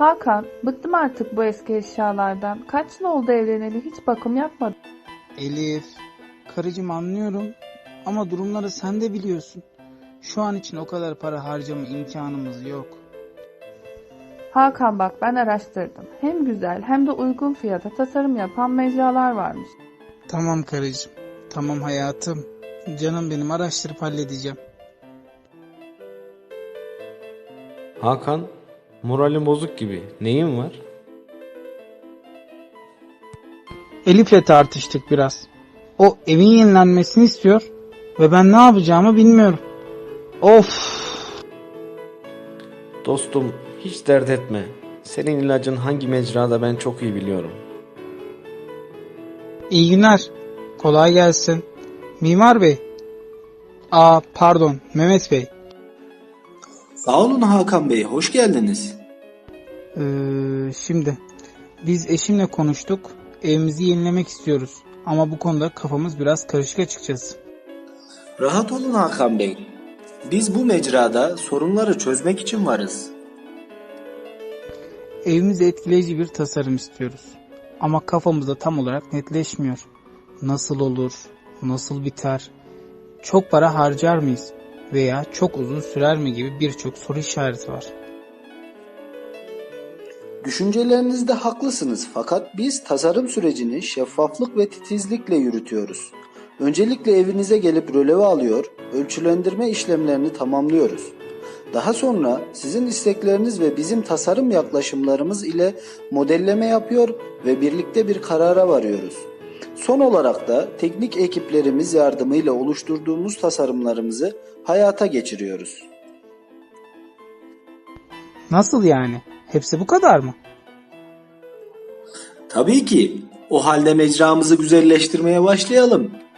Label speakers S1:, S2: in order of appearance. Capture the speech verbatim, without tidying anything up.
S1: Hakan, bıktım artık bu eski eşyalardan. Kaç yıl oldu evleneli, hiç bakım yapmadım.
S2: Elif, karıcığım anlıyorum ama durumları sen de biliyorsun. Şu an için o kadar para harcama imkanımız yok.
S1: Hakan bak, ben araştırdım. Hem güzel hem de uygun fiyata tasarım yapan mecralar varmış.
S2: Tamam karıcığım, tamam hayatım. Canım benim, araştırıp halledeceğim.
S3: Hakan, moralin bozuk gibi. Neyin var?
S2: Elif'le tartıştık biraz. O evin yenilenmesini istiyor ve ben ne yapacağımı bilmiyorum. Of!
S3: Dostum, hiç dert etme. Senin ilacın hangi mecrada ben çok iyi biliyorum.
S2: İyi günler. Kolay gelsin. Mimar Bey. Aa pardon, Mehmet Bey.
S4: Sağ olun Hakan Bey, hoş geldiniz.
S2: Ee, şimdi biz eşimle konuştuk. Evimizi yenilemek istiyoruz. Ama bu konuda kafamız biraz karışık açıkçası.
S4: Rahat olun Hakan Bey. Biz bu mecrada sorunları çözmek için varız.
S2: Evimize etkileyici bir tasarım istiyoruz. Ama kafamızda tam olarak netleşmiyor. Nasıl olur? Nasıl biter? Çok para harcar mıyız? Veya çok uzun sürer mi gibi birçok soru işareti var.
S4: Düşüncelerinizde haklısınız fakat biz tasarım sürecini şeffaflık ve titizlikle yürütüyoruz. Öncelikle evinize gelip röleve alıyor, ölçülendirme işlemlerini tamamlıyoruz. Daha sonra sizin istekleriniz ve bizim tasarım yaklaşımlarımız ile modelleme yapıyor ve birlikte bir karara varıyoruz. Son olarak da teknik ekiplerimiz yardımıyla oluşturduğumuz tasarımlarımızı hayata geçiriyoruz.
S2: Nasıl yani? Hepsi bu kadar mı?
S4: Tabii ki. O halde mecramızı güzelleştirmeye başlayalım.